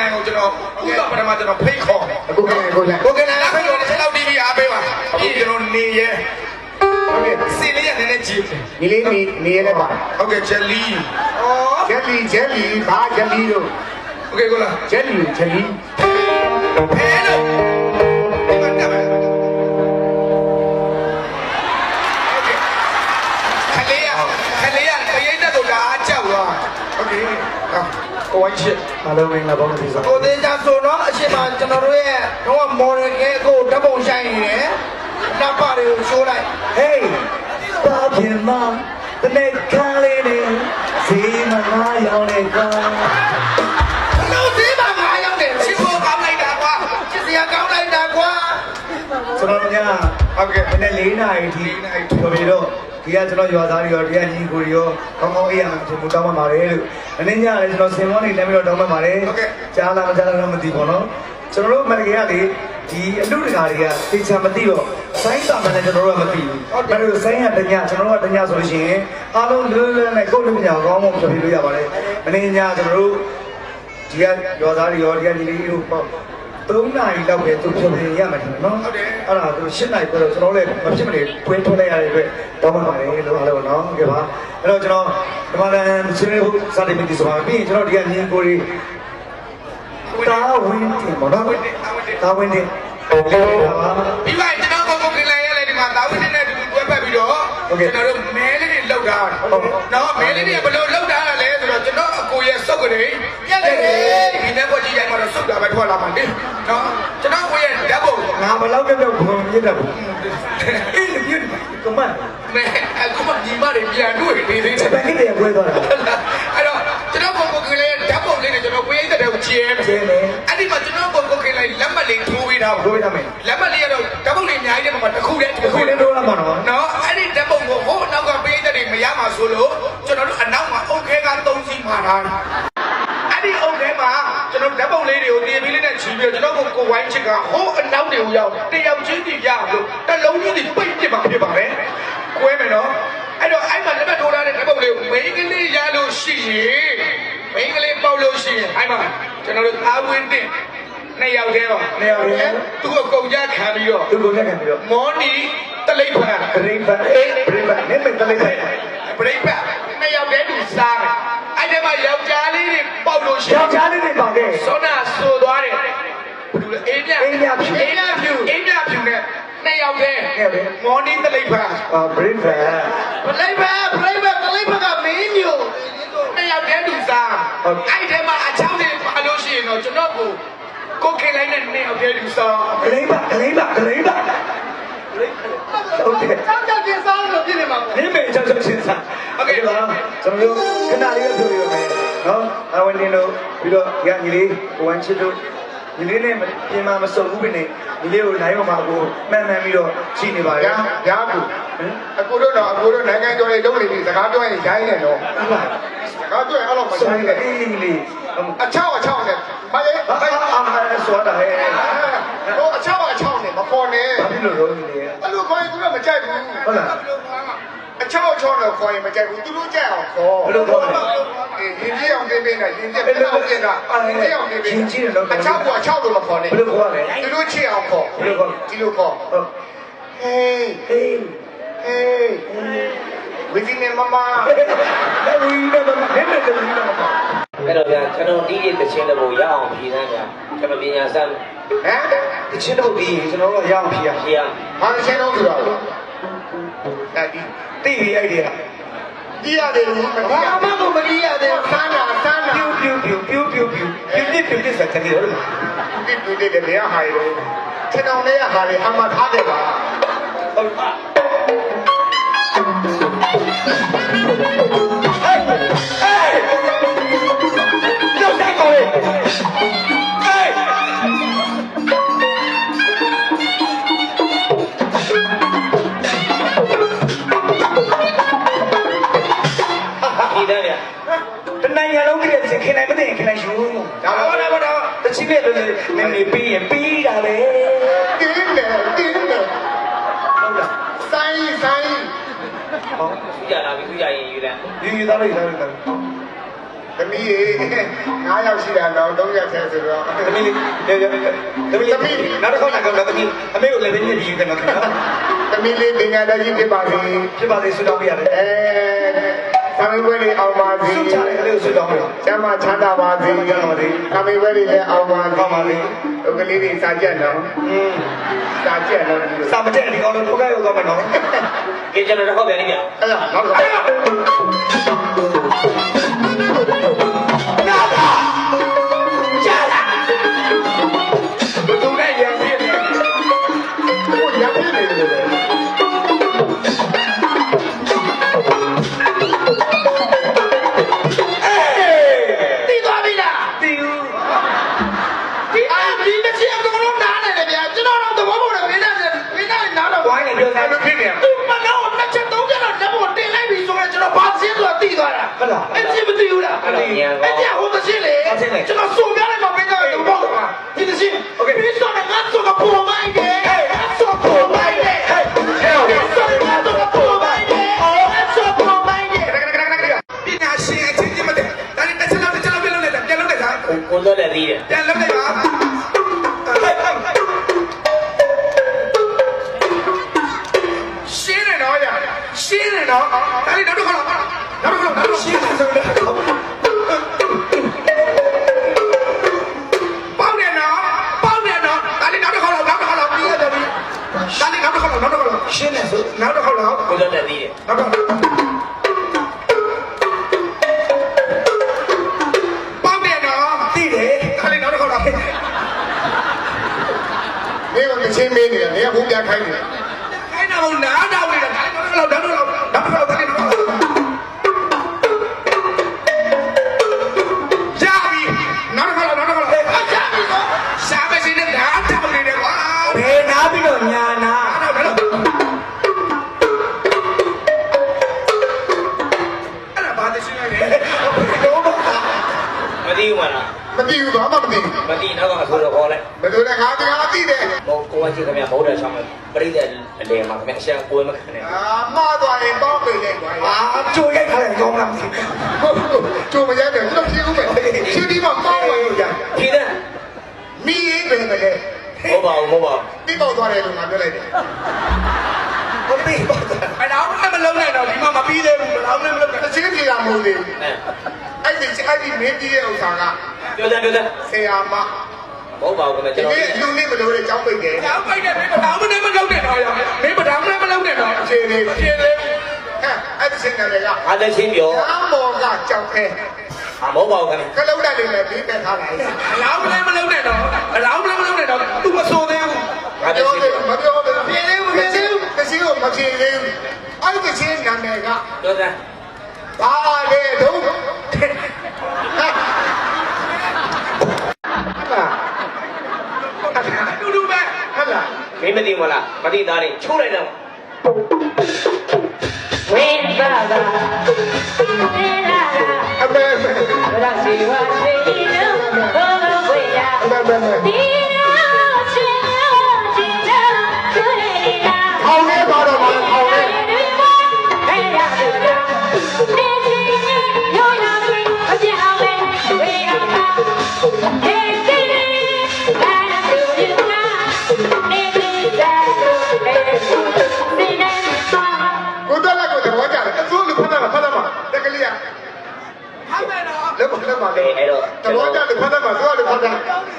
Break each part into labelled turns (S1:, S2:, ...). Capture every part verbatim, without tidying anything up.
S1: နိုင်ကိုကျွန်တော်ဥပပထမကျွန်တော်ဖိတ်ခေါ်
S2: ကိုကနိုင်ကိုနိုင်
S1: ကိုကနိုင်ဖိတ်ခေါ်တဲ့လောက်တီဗီအားပေးပါအခုကျွန်တော်နေရဲဟုတ်ကဲ့စီလေးရနည်းနည်းကြည့်
S2: ညီလေးနေနေရဲပါ
S1: ဟုတ်ကဲ့ဂျယ်လီ
S2: ဩဂျယ်လီဂျယ်လီဘာဂျယ်လီတို့
S1: โอเคကိုလား
S2: ဂျယ်လီဂျယ်လီ
S1: ဖဲလို့ဒီမှာတက်မယ်ခလေးရခလေးရတရိတ်တက်တော့ဒါအကြောက်သွားโอเคကိုဝိုင်းချစ်
S2: အားလုံးမင်္ဂလာပါလို့ပြော
S1: ကိုသေးချာဆိုတော့အရှင်မကျွန်တော်တို့ရဲ့တော့မော်ဒယ်ကဲကိုဓာတ်ပုံဆိုင်နေတယ်တပ်ပါတွေကိုရှိုးလိုက်
S2: ဟေးဘာဖြစ်မှတနေ့ခါလေးနေစီမငါရောက်နေကွာ
S1: လို့စီမငါရောက်နေချစ်ဖို့ကောင်းလိုက်တာကွာချစ်စရာကောင်းလိုက်တာကွာ
S2: ကျွန်တော်ည
S1: ဟုတ်ကဲ့
S2: မနေ့၄နာရီထိပြောပြီးတော့ဒီကကျွန်တော်ရွာသားတွေရောဒီကညီကိုတွေရောကောင်းကောင်းအေးရမှာကျွန်တော်တောင်းပန်ပါတယ်လို့မနေ့ညလည်းကျွန်တော်စင်မောနေလည်းပြီးတော့တောင်းပန်ပါတယ်ကြားလာမကြားလာတော့မသိဘူးနော်ကျွန်တော်တို့မန္တလေးကလေဒီအလူတကာတွေကသိချာမသိတော့ဆိုင်းတာမှလည်းကျွန်တော်တို့ကမသိဘူး။ဒါလို့ဆိုင်းရတညကျွန်တော်တို့ကတညဆိုလို့ရှိရင်အားလုံးလွယ်လွယ်နဲ့ကိုယ်လူညာကောင်းကောင်းဖြေလို့ရပါတယ်။မင်းညာကျွန်တော်တို့ဒီကရောသားတွေရောဒီကညီလေးတို့ပေါ့သုံးနာရီလောက်ပဲသူဖြေရမှာတယ်နော်။ဟုတ်တယ်။အဲ့ဒါသူရှင်းနိုင်ပြီးတော့ကျွန်တော်လည်းမဖြစ်မနေတွင်းထုတ်လိုက်ရတဲ့အတွက်တောင်းပန်ပါတယ်လို့အားလုံးနော်။ဟုတ်ကဲ့ပါ။အဲ့တော့ကျွန်တော်ဒီမှာလည်းဆွေးနွေးဖို့စတင်ပြီးဆိုပါပြီးရင်ကျွန်တော်ဒီကညီကိုတွေတာဝင်းတင်ပေါ့နော်တာဝင်းတင်
S1: ပြီးပါကျွန်တော်ကိုကိုကလေးရလေဒီမှာတာဝင်းတင်နဲ့တူတွဲပတ်ပြီးတော့ကျွန်တော်တို့မဲလေးတွေလောက်တာနော်မဲလေးတွေဘယ်လိုလောက်တာလဲဆိုတော့ကျွန်တော်အကိုရဲ့စုပ်ကနေပြက်တယ်ဒီနေ့ပေါ်ကြည့်ရမှာတော့စုပ်တာပဲထွက်လာမှာလေနော်ကျွန်တော်ကိုရဲ့ဓာတ်ပုံ
S2: ငါဘယ်လောက်ပြောပြောဘုံမြစ်တယ်အေးလေပြည့်ကမန်
S1: မဲအခုမှညီမတွေပြန်တွေ့နေသေးတယ်
S2: ဘယ်ကိတဲ့ပွဲသွားတာ
S1: အဲ့တော့ကျွန်တော်ကိုကိုကလေးဓာတ်ပုံလေးနဲ့ကျွန်တော်ကိုရိတ်တဲ့ကိုကျဲမယ်
S2: ကျဲမယ်
S1: အဲ့ဒီမှာကျွန်တော်ကိုကိုကလေးလက်မှတ်လေးထိုးပေးထားပါ
S2: ထိုးပေးထားမယ်
S1: လက်မှတ်လေးကတော့ဓာတ်ပုံလေးအများကြီးတဲ့မှာတစ်ခုတည်း
S2: တစ်ခုတည်းထိုးလာမှာနော်
S1: နော်အဲ့ဒီဓာတ်ပုံကိုဟိုအနောက်ကပေးတဲ့တွေမရမှာဆိုလို့ကျွန်တော်တို့အနောက်မှာအုတ်ခဲကသုံးစီးမှာထားအဲ့ဒီအုတ်ခဲမှာကျွန်တော်ဓာတ်ပုံလေးတွေကိုတင်ပြီးလေးနဲ့ချီပြီးတော့ကျွန်တော်ကိုကိုဝိုင်းချစ်ကဟိုအနောက်တွေကိုရောက်တယောက်ချင်းစီရလို့တစ်လုံးချင်းစီပိတ်ပြစ်ပါဖြစ်ပါပဲကွဲမယ်နော်အဲ့တော့အဲ့မှာလက်မှတ်ထိုးထားတဲ့ဓာတ်ပုံလေးကိုမိန်းကလေးရလို့ရှိရင်မိန်းကလေးပေါက်လို့ရှိရင်အဲ့မှာကျွန်တော်တို့သားဝင်းတင်နှစ်ယောက်တည်းပါ
S2: နှစ်ယောက်တည်း
S1: သူ့ကိုကုန်ကြခံပြီးတော့
S2: သူ့ကိုကြခံပြီးတော့
S1: မော်နီတလိပ်ဖန်
S2: တလိပ်ဖန်အေးတလိပ်ဖန်နေမတလိပ်ဖန်
S1: ပြိပ္ပနှစ်ယောက်တည်းသူစားတယ်အဲ့ဒီမှာယောက်ျားလေးတွေပေါက်လို့ရှိရင်
S2: ယောက်ျားလေးတွေပေါက်တယ်
S1: စောနာဆိုသွားတယ်ဘယ်လိုလဲအေးမြ
S2: အေးမြဖြူ
S1: အေးမြဖြူအေးမြဖြူနဲ့နှစ်ယောက်တည်းမော်နီတလိပ်ဖန်
S2: အာဘရိဖန်
S1: တလိပ်ဖန်ပြိပ္ပတလိပ်ဖန်ကမင်းမျိုးနှစ်ယောက်တည်းသူစားအဲ့ဒီမှာအချောင်းတွေပါလို့ရှိရင်တော့ကျွန်တော်ကိုကိုခေလိုက်နဲ့နှစ်ယောက်တည်းသူစား
S2: ဂလိမ့်ပါဂလိမ့်ပါဂလိမ့်ပါ
S1: ဟုတ်တယ်ကြောက်ကြောက်ချင်းစားလို့ပြည့်နေမှာပေါ့
S2: နေမေကြောက်ကြောက်ချင်းစား
S1: โอเคပါ
S2: ကျွန်တော်တို့ခဏလေးပြောပြရမယ်နော်အဝန်တင်တို့ပြီးတော့ရညီလေးကိုဝမ်းချစ်တို့ညီလေးနဲ့ပြင်မာမစုံဘူးပဲနဲ့ညီလေးကိုနိုင်မှာကိုမှန်မှန်ပြီးတော့ရှိနေပါရဲ့
S1: ညာကူအကူတို့တော့အကူတို့နိုင်ငံကျော်လေးလုံးနေပြီစကားပြောရင်ရိုင်းနေတော့စကားပြောရင်အဲ့လိုမရိုင်းနဲ့
S2: အေးညီလေး
S1: အချောက်အချောက်နဲ့မလေး
S2: အာဆိုတာဟဲ့
S1: ဟိုအချောက်အချောက်နဲ့မခေါ်နဲ့
S2: ဘာဖြစ်လို့တော့ညီလေး
S1: အဲ့လိုခေါ်ရင်သူကမကြိုက်ဘူး
S2: ဟုတ်လား
S1: အချောက်အချောက်နဲ့ခေါ်ရင်မကြိုက်ဘူးသူတို့ကြိုက်အောင်ခေါ်
S2: ဘယ်လိုခေါ်လဲ
S1: အေးရင်ကြီးအောင်ပြင်ပြင်နဲ့ရင်ကြီးပြင်အောင်ပြင်တာရင်ကြီးအောင်ပြင်ပြင်
S2: ရင်ကြီးတော့
S1: အချောက်ကအချောက်လို့မခေါ်နဲ့
S2: ဘယ်လိုခေါ်လဲ
S1: သူတို့ချစ်အောင်ခေါ်
S2: ဘယ်လိုခေါ်
S1: ဒီလိုခေါ်
S2: ဟုတ်
S1: ဟေး
S2: ဟေး
S1: ဟေးဝီဒီနေမမ
S2: လေဝီနေမမနေနေတယ်ဝီနေမမ
S3: အဲ့တော့ဗျာကျွန်တော်ဒီရဲ့တခြင်းတဘူရအောင်ဖြေသားဗျာကျွန်တော်ပညာစမ်း
S1: ဟမ်
S2: တခြင်းတဘူပြီးရင်ကျွန်တော်တို့ရအောင်ဖြေရ
S3: ဖြေရ
S1: ဘာတခြင်းတော့ဆိုတော့အဲ့ဒီ
S2: သိပြီအဲ့ဒီက
S1: ဒီရတယ်လို့ဘာမှမမဒီရတယ်ဆန်းတာဆန်းတာ
S2: ပြူပြူပြူပြူပြူပြူပြူပြူပြူစတဲ့တယ်
S1: ဒီပြူတဲ့တဲ့ဟာရယ်ခြေတောင်လေးရဟာလေအမှထားတယ်ပါဟုတ်ပါ
S2: တနိုင်ငံလုံးကလေးစခင်နိုင်မသိရင်ခင်နိုင်ယူ
S1: ဒါတော့ဒါတော့
S2: တချိနဲ့နေနေပြီးရင်ပြီးတာပဲ
S1: တင်းတယ်တင်းတယ်
S2: ဟုတ်လား
S1: ဆိုင်ဆိုင်
S3: ဟောသူကြလာပြီသူကြရင်ယူတယ်
S2: ယူယူသားလို့ယူသားလို့
S1: သမီးရေငါးယောက်ရှိတာတော့သုံးယောက်ထဲဆိုတော့
S2: သမီးလေးသမီးလေးသမီးလေးနောက်တစ်ခေါက်လာကတော့သမီးအမေကိုလည်းပဲညှစ်ပြီးကနေတော့
S1: သမီးလေးပညာတတ်ကြီးဖြစ်ပါစေ
S2: ဖြစ်ပါသေးဆုတောင်းပေးရတယ်
S1: အဲသမေဝဲလေးအောင်ပါစေ
S2: ဆုချတယ်ကလေးကိုဆုတောင်းပေးတော့
S1: ကျမ်းမချမ်းသာပါစေ
S2: ကျမ်းမာပါစေ
S1: သမေဝဲလေးလည်းအောင်ပါ
S2: ကောင်းပါစေ
S1: ဥက္ကလေးတွေစာကြက်နော်
S2: อืม
S1: စာကြက်နော်ဒီလို
S2: စာမတက်ဒီကောင်တော့ထုတ်ခဲ့ရောက်သွားမယ်နော်
S3: ကဲကျွန်တော်တစ်ခေါက်ပြန်နေပြန်
S1: အဲ့ဒါနောက်တော့
S2: နာတာကြာလာ
S1: ဘယ်သူနဲ့ရံပြည့်နေကိုရံပြည့်နေတယ်လေ
S2: တီးသွားပြီလားတီးဦး
S1: ဒီအာဒီတစ်ချက်အကုန်လုံးနားနေတယ်ဗျာကျွန်တော်တော့သဘောပေါက်တယ်မင်းနဲ့မင်းနဲ့နားတော့
S2: ဝိုင်းနေပြောသား
S1: ဖြစ်နေသူမနောနှစ်ချက်သုံးချက်တော့လက်ပေါ်တင်လိုက်ပြီဆိုရင်ကျွန်တော်ဘာစင်းဆိုတာတီးသွားတာ
S2: ဟုတ်လား
S1: အဲ့ဒီမသိဘူးလား
S3: အဲ့တော့ညံ
S1: အဲ့
S3: ကော
S1: ဒီဟိုတစ်ချက်လေကျွန်တော်စုံပြလိုက်မှမင်းကသဘောပေါက်တာဒီတစ်ချက်โอเคပြီးတော့ငါဆိုကပေါ်မိုင်းတယ်ဆိုပေါ်မိုင်းတယ်ဟဲ့ဆိုငါဆိုကပေါ်မိုင်းတယ်ဆိုပေါ်မိုင်းတယ်ပညာရှင်အချင်းချင်းမတည်းဒါနဲ့တစ်ချက်လောက်တစ်ချက်လောက်ပြန်လုပ်လိုက်တာပြန်လုပ်လိုက်တာ
S3: ကိုတော့လည်းသေးတယ်
S1: ပြန်လုပ်လိုက်ပါရှင်းနေတော့ရရှင်းနေတော့ဒါလေးနောက်တစ်ခါလောက်နောက်တစ်ခါလောက်ရှင်းနေဆိုတော့ပေါက်နေတော့ပေါက်နေတော့ဒါလေးနောက်တစ်ခါလောက်နောက်တစ်ခါလောက်ပြီးရတယ်ပြီဒါလေးနောက်တစ်ခါလောက်နောက်တစ်ခါလောက်ရှင်းနေဆိုနောက်တစ်ခါလောက်
S3: ကိုတော့လည်းသေးတယ်
S1: နောက်တစ်ခါပေါက်နေတော့သိတယ်ဒါလေးနောက်တစ်ခါလောက်နေကချင်းမင်းနေတယ်နေကဘုရားခိုင်းနေတယ်ခိုင်းတာဘုနားတော့နေတာနောက်တစ်ခါလောက်နောက်တစ်ခါလောက်နောက်တစ်ခါလောက်ဒါလေးနောက်တစ်ခါလောက်ကြာပြီနောက်တစ်ခါလောက်နောက်တစ်ခါလောက်ကြာပြီနော်ရှာမစင်းနဲ့ဓာတ်တောက်နေတယ်ကွာ
S2: ဘယ်နာပြီးတော့ညာနာ
S1: အဲ့ဒါဘာတရှိနေလဲ
S2: တော့ပါ
S3: မသိဘူးမလား
S1: မသိဘူးဘာမှမသိဘူး
S3: မသိတော့ကအဆိုတော့ခေါ်လိုက်
S1: ဘယ်လိုလဲငါတရားသိတယ်
S3: ဟိုကိုဝချင်းခင်ဗျမဟုတ်တဲ့ဆောင်ပြိတ္တအလေမှာခင်ဗျအရှံကိုယ်မခံနဲ့
S1: အာမှားသွားရင်ပေါင်းပေးလိုက်ကွာ
S2: အာကြိုရိုက်ထားတယ်ကောင်းလားမသိ
S1: ဟုတ်ကျုံမရတဲ့ကျွန်တော်ဖြေဦးမယ်ဖြေပြီးမှပေါင်းပါလို့ရ
S3: ဖြေတဲ့
S1: မိရေးပဲမလဲ
S3: ဟုတ်ပါဘူးဟုတ်ပါဘူး
S1: ပြီးပေါက်သွားတယ်လို့ငါပြောလိုက်တယ်
S2: ဘူးသိပါတော့
S1: အဲ့တော့မလုံးနဲ့တော့ဒီမှာမပြီးသေးဘူးဘယ်တော့မှမလုံးနဲ့တစ်ချင်းပြေတာမဟုတ်သေးဘူး
S3: အဲ
S1: အဲ့ဒီအဲ့ဒီမင်းပြီးတဲ့ဥစ္စာက
S3: ပြောတယ်ပြောတယ်
S1: ဆရာမ
S3: ဟုတ်ပါဘူးခင်ဗျ
S1: ဒီ
S3: ကျွန်တော်
S1: နေ့လူနေမလို့တဲ့ကြောင်းပိတ်တယ်ကြောင်းပိတ်တယ်မင်းမတော်မနဲ့မလုံးနဲ့တော့ရမင်းမတော်မနဲ့မလုံးနဲ့တော့အခြေလေးအခြေလေးဟဲ့အဲ့ဒီစင်တယ်က
S3: အားလည်းချင်းပြော
S1: အမောကကြောက်ခဲ
S3: အမဟုတ်ပါဘူးခင်ဗျ
S1: ကလုံးတက်လေးနဲ့ပြီးတက်ထားလိုက်အလောင်းလည်းမလုံးနဲ့တော့အလောင်းလည်းမလုံးနဲ့တော့သူမဆိုသေးဘူး
S3: အားလည်းချင်းပြော
S1: မပြောဘူးပြေသေးဘူးပြေသေးဘူးတစီကိုမပြေသေးဘူးအဲ့ဒီချင်းနာမည်က
S3: ပြောတယ်
S1: ဘာလဲတော့ဟာတူတူပဲဟာလား
S3: မင်းမသိမလားမသိသားလေးချိုးလိုက်တော့
S4: ဝိဘာဘာဝိလာလာ
S1: အမေအမေ
S4: ရစီဝါစီနုဘောဝိယာ
S1: အမေအမေ
S4: ဒီနာချီယောချီနာချူရီလာ
S1: အောင်လေးပါတော့ပါအောင်လေး
S4: ဟဲ့ရတူလာနေချီယောနာမီအပြအောင်လေဝိယာပါဟဲ့စီဘာနာတူဒီနာနေချီသာဟဲ့စီနေနာ
S1: ကိုတက်လက်ကိုသဘောကျတယ်အစိုးလူဖတ်တာဖတ်တာမှာတက်ကလေးကဖတ်မယ်နော်လက်မလက်မလေး
S3: အဲ့တော့
S1: သဘောကျတယ်ဖတ်တာမှာစိုးလူဖတ်တာ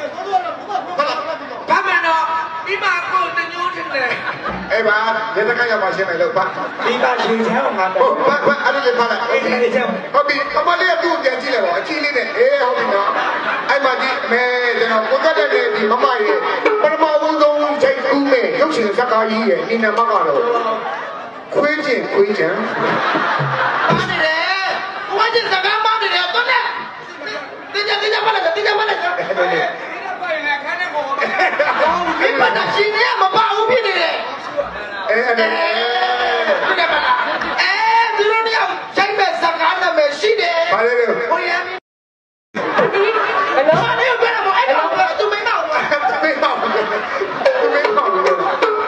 S1: ဖတ်မယ်နော်ဒီမှာကိုတညိုးတင်တယ်အေးပါလက်တကရမှာရှင်းမယ်လို့ဖတ်
S2: ဒီပါရှင်ချမ်းအောင်ငါ
S1: ဟု
S2: တော့
S1: တ်ဖတ်ဖတ်အဲ့ဒီလေးဖတ်လိုက်
S2: အဲ့ဒီလေးချမ်း
S1: ဟုတ်ပြီအမလေးကသူ့ကိုပြန်ကြည့်လိုက်ပါအကြီးလေးနဲ့အေးဟုတ်ပြီနော်အဲ့မှာဒီအမေကျွန်တော်ကိုတက်တဲ့ဒီမမရဲ့ပထမဦးဆုံးချိန်ကူးမဲ့ရုပ်ရှင်ဇာတ်ကားကြီးရဲ့ဒီနံပါတ်ကတော့ခွေးချင်းခွေးချမ်းပါနေတယ်ဝါကျင်စကားပါနေတယ်တော့နဲ့တင်းကြတင်းကြပါလားတင်းကြပါလားအဲ့ဒါလေဒီမှာရှင်ရမပါဘူးဖြစ်နေတယ်အဲအဲ့ဒါဒီကပါလားအဲဒီလိုမျိုးရိုက်မဲ့စကားနာမည်ရှိတယ်ဘာလဲလဲဟိုရမ်းဘယ်လိုလဲဘယ်လိုအဲ့တော့သူမင်းတော့သူမင်းတော့သူမင်းတော့
S3: အဲ့တော့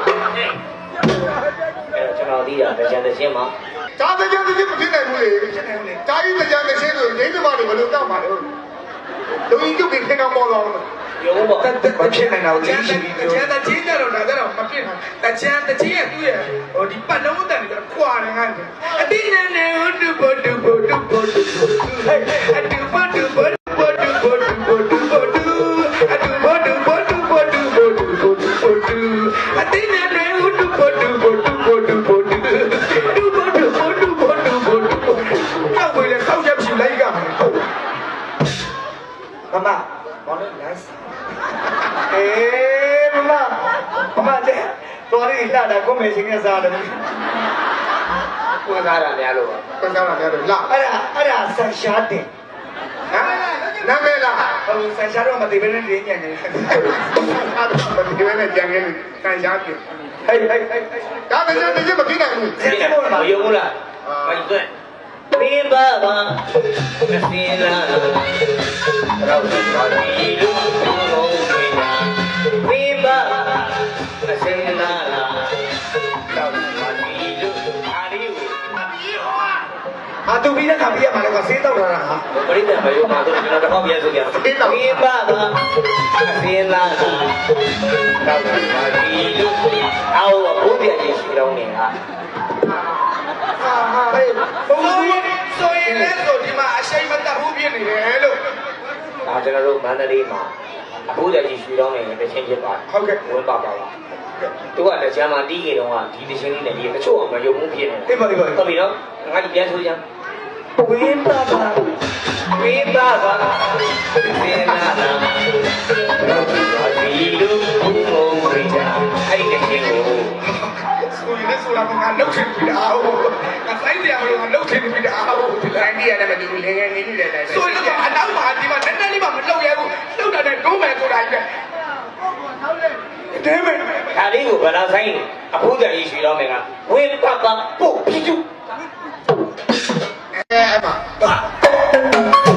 S3: ကျွန်တော်သိတာတကြံတချင်းမှာ
S1: ဒါတကြံတချင်းမဖြစ်နိုင်ဘူးလေဖြစ်နိုင်ဘူးလေဒါကြီးတကြံတချင်းဆိုဒိဋ္ဌိမတွေဘယ်လိုတောက်ပါလဲလူကြီးကျုပ်ကခင်ကောင်ပေါ်တော့
S3: ရုံးပေါ့
S2: တက်တက်မဖြစ်နိုင်တော့လေးရှိပြီး
S1: တချမ်းတချင်းကြတော့ဒါကြတော့မဖြစ်နိုင်တချမ်းတချင်းရဲ့သူ့ရဲ့ဟိုဒီပတ်လုံးတန်နေတော့ခွာတယ်ငါအတိနဲ့နဲ့ဟိုတူဘတူဘတူဘတူဟဲ့အတူဘတူဘတူဘတူဘတူဘတူဘတူအတူဘတူဘတူဘတူဘတူဘတူဘတူအတိနဲ့နဲ့ဟိုတူဘတူဘတူဘတူဘတူတူဘတူဘတူဘတူဘတူဘတူတော့ဘယ်လဲဆောက်ချက်ဖြူလိုက်ကမှာဟုတ်
S2: မမဘာလဲ nice အေးမမမတဲ့တော်ရီလာတာကိုမေချင်းကစားတယ်
S3: ကိုယ်သားတာများလို့ပါ
S1: ပြန်ကြလာတယ်လာ
S2: အဲ့ဒါအဲ့ဒါဆန်ရှားတင်
S1: ဟမ်နာမည်လား
S2: ဟိုဆန်ရှားတော့မသိဘဲနဲ့ရင်းညံ့နေတယ်
S1: အဲ့ဒါမဒီဝဲနဲ့ကြံခဲ့လို့ခံရပြီ
S2: ဟေးဟေးဟေးဟေး
S1: ဒါပေမဲ့တကယ်မပြီးနိုင်ဘူး
S3: ဒီကမယုံဘူးလားမိုက်သွဲဘင်းပါပါမစင်းလာတော့ပါဒီလူလုံးတွေနာဘင်းပါမစင်းလာတော့ပါဒီလူအားလေးကို
S2: အာတူပြီးတဲ့ခါပြရမှာလေကွာဆေးတောက်လာတာဟာ
S3: ပရိသတ်မယုံပါတော့ကျွန်တော်တစ်ခေါက်ပြန်ဆိုကြဘင်းပါပါမစင်းလာတော့ပါဒီလူအော်ဘုရားကြီးရှိတော်နေဟာ
S1: ဟာဟာဟေးဘုံကြီးဆိုရင်လည်းဆိုဒီမှာအရှိန်မတက်ဘူးဖြစ်နေတယ်လို့
S3: ဒါကျွန်တော်တို့မန္တလေးမှာအဖိုးကြီးရွှေတော်နေတချင်းဖြစ်ပါတယ်
S1: ဟုတ်ကဲ့
S3: ဝင်ပါပါလားသူကတကြမ်းမှာတီးကြတော့ကဒီတချင်းလေးနဲ့ဒီတချို့အောင်မယုံမှုဖြစ်နေ
S2: အေးပါအေးပါ
S3: ဟုတ်ပြီနော်ငါဒီပြန်ဆိုကြ
S2: ဝင်းပါပါ
S3: ဝေးပါပါသေနာနာဒီလူဘုံဘုံဝိဒါအဲ့ဒီတချင်းကို
S1: ဆိုရင်လည်းဆိုတာကငါလှုပ်ချင်ပြီလားဟုတ်ငါဆိုင်တယ်မလို့ငါလှုပ်ချင်ပြီလားဟုတ်ဒီလိုင်းကြီးရတယ်မတူဘူးလေငယ်နေနေတယ်တိုင်းဆိုရင်တော့အနောက်မှာဒီမှာနည်းနည်းလေးမှမလှုပ်ရဘူးလှုပ်တာနဲ့ဒုံးမယ်ဆိုတာကြီးပဲတဲမယ်
S3: ဒါလေးကိုဗလာဆိုင်အဖိုးကြီးရွှေတော်မယ်ကဝေးပါပါပို့ပြူ
S1: အဲအဲ့မှာ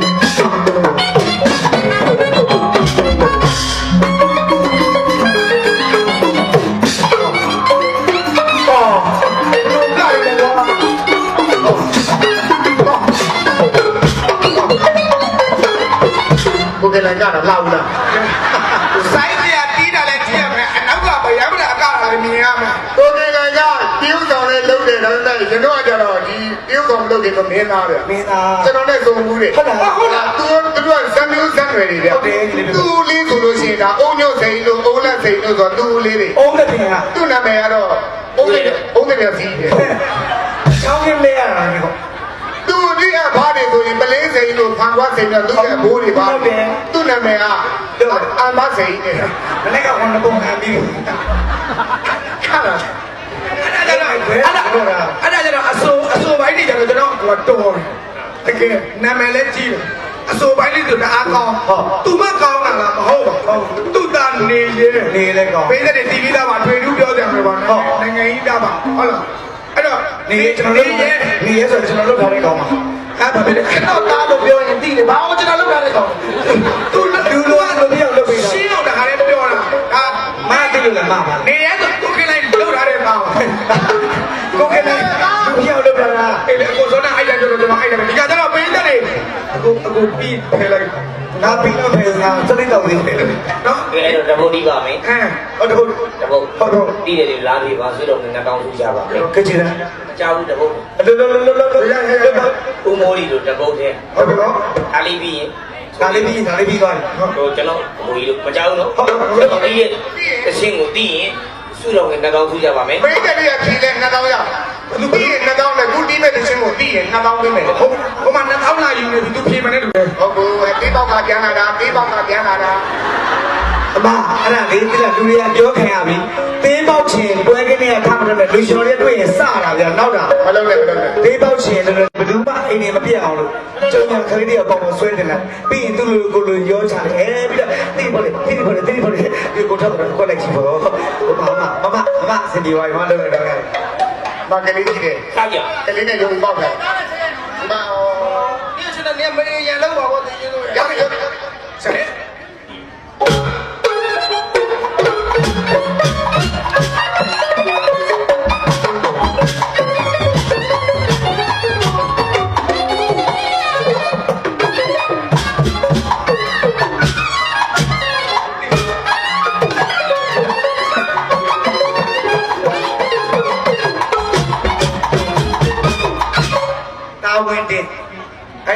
S1: ကိုကလည်းကြတာလောက်လားဆိုင်ပြတီးတာလည်းကြည့်ရမယ်အနောက်ကဗျာမလားအကလည်းမြင်ရမယ်ကိုကလည်းကတရုတ်ဆောင်လည်းလုပ်တယ်ဒါပေမဲ့ကျွန်တော်ကကြတော့ဒီတရုတ်ဆောင်လုပ်တယ်ဆိုမင်းသားပဲ
S2: မင်းသား
S1: ကျွန်တော်နဲ့စုံမှုတယ်ဟုတ်လားဟုတ်လားသူတို့ကဇမီးဇန်ရွယ်တွေတဲ့သူလေးဆိုလို့ရှိရင်ဒါအုံညုတ်စိန်လို့အုံလက်စိန်လို့ဆိုတော့သူလေးတွေ
S2: အုံးတဲ့ပြင်က
S1: သူ့နာမည်ကတော့အုံးတဲ့အုံးတဲ့ပြစီတယ်
S2: ချောင်းကလေးရတာဒီကော
S1: သူဒီအဘားတွေဆိုရင်ပလင်းစိန်လို့ဖန်ခွားစိန်လို့သူ့ရဲ့ဘိုးတွေပါသူ့နာမည်ကအမစိန်နဲ့
S2: မနေ့ကဝန်ပုံခံပြီး
S1: ခါလာအဲ့ဒါကြတော့အဲ့ဒါအဲ့ဒါကြတော့အစိုးအစိုးပိုင်းတွေကြတော့ကျွန်တော်ကတော်တယ်တကယ်နာမည်လည်းကြီးတယ်အစိုးပိုင်းလေးဆိုတအားကောင်းသူမကောင်းတာလားမဟုတ်ပါဘူးသူသားနေရဲ
S2: နေလဲကောင်း
S1: ပေးတဲ့တီဗီသားမှာတွေ့တူးပြောတယ်မှာပါနော်နိုင်ငံကြီးသားမှာဟုတ်လားအဲ့တော့
S2: နေကျွန်တော်တို့နေရဲဆိုကျွန်တော်တို့ထားတဲ့ကောင်းပါ
S1: အဲ့ဘာဖြစ်လဲအဲ့တော့သားလို့ပြောရင်သိတယ်ဘာလို့ကျွန်တော်လုပ်ရလဲကောင်းသူလူလိုအလိုပြောလုပ်ပေးတာရှင်းအောင်တခါလေးပြောတာဒါ
S2: မသိလို့လည်းမပါ
S1: နေရဲဆိုကိုကလေးလုပ်ထားတဲ့သား
S2: ကိုကလည်းသူပြောလို့ပြောတာ
S1: အဲ့လေကိုစောနာအိုက်တယ်ပြောတော့ကျွန်တော်အိုက်တယ်ဒီကကြတော့ပေးတယ်လေအခုအခုပြီးဖယ်လိုက်
S2: ငါပြီးတော့ဖေးငါစတဲ့တော့သေးတယ်
S1: နော်
S3: အဲ့တော့တဘုတ်ဒီပါမယ်
S1: အဲဟုတ်တယ်
S3: တဘုတ်ဟုတ်တော့တီးတယ်လားပြီးပါဆွေးတော်နဲ့တောင်းထူကြပါမယ်
S2: ကကြည်လား
S3: အကြောင်းတဘုတ်
S2: အလိုလိုလိုလိုလို
S3: ဦးမိုးလီတို့တဘုတ်တဲ့
S1: ဟုတ်တယ်နော်
S3: အားလေးပြီးရင်
S2: ဒါလေးပြီးဒါလေးပြီးသွားပြီ
S3: ဟိုကျွန်တော်ဟိုကြီးတို့မကြောက်ဘူးနော်ကျွန်တော်ဒီရဲ့တခြင်းကိုတီးရင်ဆွေးတော်နဲ့တောင်းထူကြပါမယ်
S1: ပေးတယ်လေဖြေလဲနှစ်သောင်းရသူပြီးရင်နှစ်သောင်းနဲ့ခုတီးမဲ့တခြင်းကိုပြီးရင်နှစ်သောင်းပေးမယ်ဟုတ်ဟိုမှာနှစ်သောင်းလာယူနေသူဖြေမနေတူတယ်ဟုတ်ဘူးပေးပေါက်ကပြန်လာတာပေးပေါက်ကပြန်လာတာ
S2: အမအဲ့ဒါလေးတိလာလူတွေကပြောခံရပြီသေးပေါက်ချင်ပွဲကင်းတွေကထားမှတော့လူရှင်တွေတွေ့ရင်စတာဗျာနောက်တာ
S1: မလုပ်နဲ့မလုပ်နဲ့
S2: သေးပေါက်ချင်လည်းဘယ်သူမှအိမ်နေမပြတ်အောင်လို့ကျုံညာခလေးတွေကပေါအောင်ဆွဲတင်လာပြီးရင်သူ့လူကိုလူရောချတယ်အဲပြီးတော့တိပေါ်လေတိပေါ်လေတိပေါ်လေဒီကိုထောက်တော့ခွက်လိုက်ချီပေါ့မမမမမစင်ဒီဝိုင်မလုပ်တော့ခဲ့
S1: မကလေးကြီးတယ်
S3: စားကြ
S1: ကလေးနဲ့ရုံပေါက်တယ်မာဒီစနေမင်းရန်လောက်ပါဘောတင်းလို့ရရစနေ
S4: Hãy subscribe cho kênh Ghiền Mì Gõ để không bỏ lỡ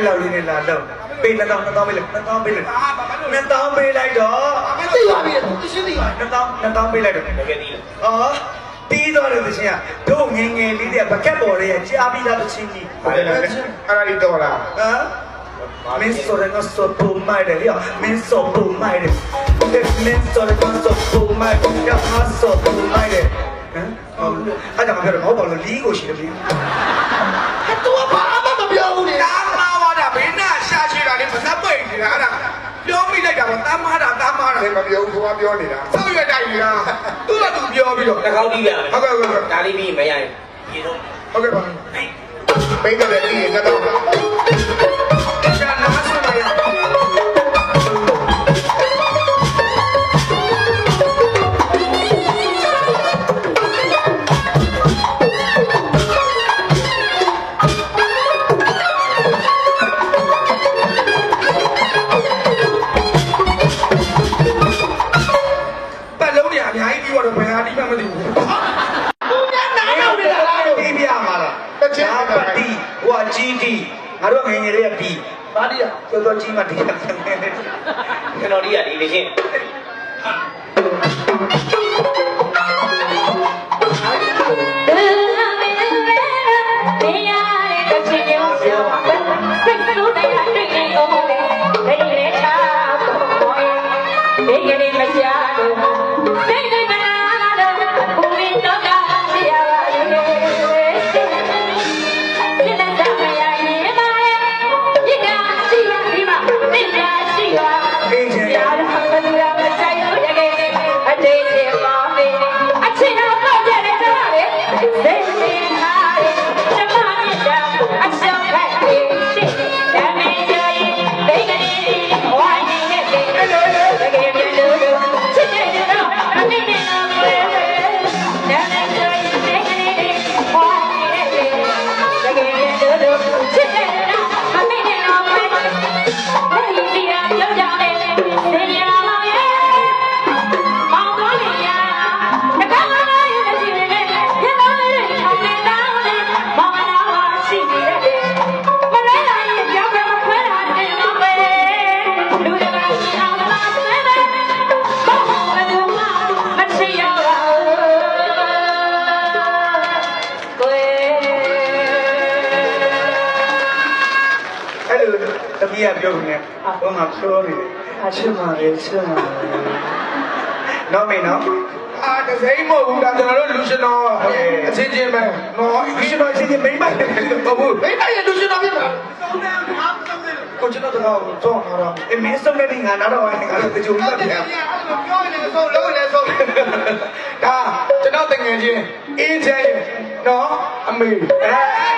S2: အဲ့လောက်လေးနဲ့လာတော့ပေးနှစ်သောင်းနှစ်သောင်းပေးလိုက်နှစ်သောင်းပေးလိုက်နှစ်သောင်းပေးလိုက်တော့
S1: သိပါပြီသူရှင်းသိပါ
S2: နှစ်သောင်းနှစ်သောင်းပေးလိုက်တော့
S3: တကယ်ဒီ
S2: အော်တီးတော့တဲ့သချင်းကတို့ငငယ်လေးတွေကဘကက်ပေါ်ရဲ့ကြားပြီးသားသချင်းကြီး
S1: ဟုတ်တယ်အဲ့ဒါလေးတော့လား
S2: ဟမ်မင်းစောရငါစောပူမိုက်တယ်ရမင်းစောပူမိုက်တယ်မင်းစောရငါစောပူမိုက်တယ်ရငါစောပူမိုက်တယ်ဟမ်အဲ့ဒါမှပြောတော့ဟောပါလို့လီးကိုရှိတယ်လီး
S1: သူကဘာမှမပြောဘူးလေတားမာဝါတာဘေးနာရှာချေတာလေမစပ်ပိတ်နေတာအဲ့ဒါပြောမိလိုက်တာပေါ့တားမာတာတားမာတာမပြောဘူးသူကပြောနေတာဆောက်ရွက်တိုင်းနေတာသူကသူပြောပြီးတော့
S3: တကောက်တီးလာ
S1: ဟုတ်ကဲ့ဟုတ်ကဲ့
S3: ဒါလေးပြီးမရရင်ပြေတော့
S1: ဟုတ်ကဲ့ပါပိတ်တယ်လေဒီကတော့ရှာနားဆွနေရပတ်လုံးနေအများကြီးပြီးတော့ဘယ်ဟာဒီမှမသိဘူးသူများနားရောက်နေတာလား
S2: တီးပြမှာလားတချာပတိဟိုအကြီးတီငါတို့ငငယ်လေးကတီး
S1: ဘာဒီရ
S2: တော်တော်ကြီးမှတီးတယ်
S3: ကျွန်တော်ဒီကဒီလေးချင်း
S2: တမီးကပြောနေဟိုမှာပြောနေတယ်အချစ်မှလည်းချစ်မှနော်မင်းနော်
S1: အာတစိမ့်မဟုတ်ဘူးဒါကျွန်တော်တို့လူရှင်တော်အချင်းချင်းပဲနော်
S2: ဒီလိုချင်းချင်းမိမ့်မတယ်
S1: ဟုတ်ဘူးမိမရဲ့လူရှင်တော်ဖြစ်မှာ
S2: ကိုကျွန်တော်တော့တော့ဟာတော့အမင်းဆုံးတဲ့ငါတော့ငါတော့တကြုံနေတယ်
S1: ပြောနေဆုံးလုံးနေဆုံးဒါကျွန်တော်တငယ်ချင်းအေးချမ်းနော်အမေအဲ